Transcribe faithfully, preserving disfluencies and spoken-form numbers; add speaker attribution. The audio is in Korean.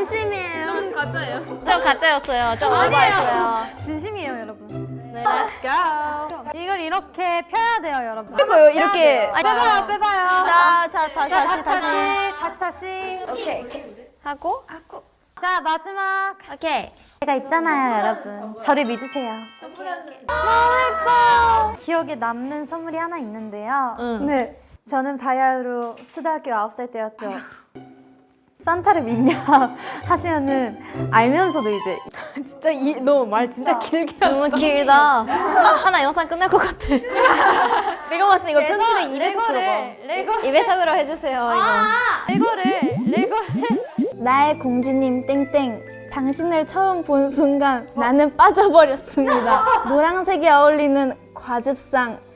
Speaker 1: 진심이에요.
Speaker 2: 좀 가짜예요.
Speaker 1: 저 가짜였어요. 저 오버했어요.
Speaker 3: 진심이에요, 여러분.
Speaker 1: 네.
Speaker 3: Let's go. 이걸 이렇게 펴야 돼요, 여러분.
Speaker 2: 이거요, 이렇게.
Speaker 3: 펴야 돼요. 빼봐요, 빼봐요.
Speaker 1: 자, 자, 다,
Speaker 3: 자,
Speaker 1: 다시, 다시.
Speaker 3: 다시, 다시.
Speaker 1: 오케이, 오케이. 하고,
Speaker 3: 하고. 자, 마지막.
Speaker 1: 오케이.
Speaker 3: 제가 있잖아요, 여러분. 저를 믿으세요. 너무 예뻐. 기억에 남는 선물이 하나 있는데요.
Speaker 1: 응.
Speaker 3: 네, 저는 바야흐로 초등학교 아홉 살 때였죠. 산타를 믿냐 하시면은 알면서도 이제
Speaker 2: 진짜 이, 너 말 진짜 길게 한다.
Speaker 1: 너무 길다. 하나 영상 끝날 것 같아.
Speaker 2: 내가 봤을 때 이거 편집에 입에서 들어봐.
Speaker 3: 레고를 레고
Speaker 1: 입에서으로 해주세요, 이거.
Speaker 3: 레고를 레고를
Speaker 2: 나의 공주님 땡땡. 당신을 처음 본 순간 나는 빠져버렸습니다. 노란색이 어울리는 과즙상